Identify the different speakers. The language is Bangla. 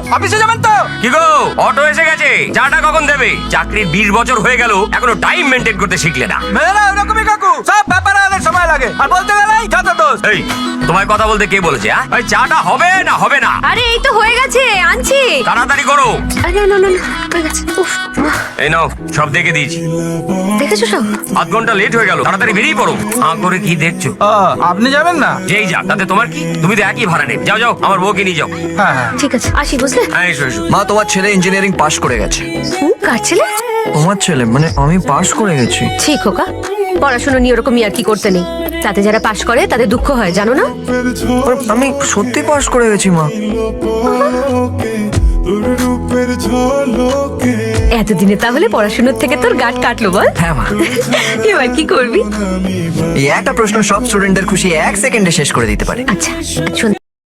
Speaker 1: অফিসে যাবেন তো?
Speaker 2: কি গো, অটো এসে গেছে, চাটা কখন দেবে? চাকরির 20 বছর হয়ে গেল, এখনো টাইম মেনটেন করতে শিখলে না।
Speaker 1: মেয়ে না ওরকমই কাকু, সব ব্যাপারে অনেক সময় লাগে, আর বলতে গেলেই যত দোষ।
Speaker 2: এই, তোমায় কথা বলতে কে বলেছে? ওই চাটা হবে না হবে না?
Speaker 3: আরে এই তো হয়ে গেছে, আনছি।
Speaker 2: তাড়াতাড়ি করো।
Speaker 3: আরে না না না না, হয়ে গেছে। উফ,
Speaker 2: এই নাও, সব দেখে দিয়েছি।
Speaker 3: দেখেছো সব?
Speaker 2: আধ ঘন্টা লেট হয়ে গেল, তাড়াতাড়ি বেরিয়ে পড়ো। হাঁ করে কি দেখছো?
Speaker 1: আপনি যাবেন না?
Speaker 2: যেই যাক, তাতে তোমার কি? তুমি তো একই ভাড়া নেবে। যাও যাও, আমার বউকে নিয়ে যাও।
Speaker 1: হ্যাঁ হ্যাঁ।
Speaker 3: ঠিক আছে, আসি বুঝলে।
Speaker 2: হ্যাঁ, এসো এসো।
Speaker 4: মা, তোমার ছেলে ইঞ্জিনিয়ারিং পাশ করে গেছে।
Speaker 3: কার ছেলে?
Speaker 4: তোমার ছেলে মানে আমি পাশ করে গেছি।
Speaker 3: ঠিক খোকা, পড়াশোনা নিয়ে ওরকম আর কি করতে নেই। তাতে যারা পাশ করে তাদের দুঃখ হয়, জানো না?
Speaker 4: আর আমি সত্যি পাশ করে গেছি মা।
Speaker 3: এতদিনে তাহলে পড়াশোনার থেকে তোর গাঁট কাটলো বল?
Speaker 4: হ্যাঁ মা।
Speaker 3: এবার কি করবি?
Speaker 4: এই একটা প্রশ্ন সব স্টুডেন্টদের খুশি 1 সেকেন্ডে শেষ করে দিতে পারে।
Speaker 3: আচ্ছা শোন,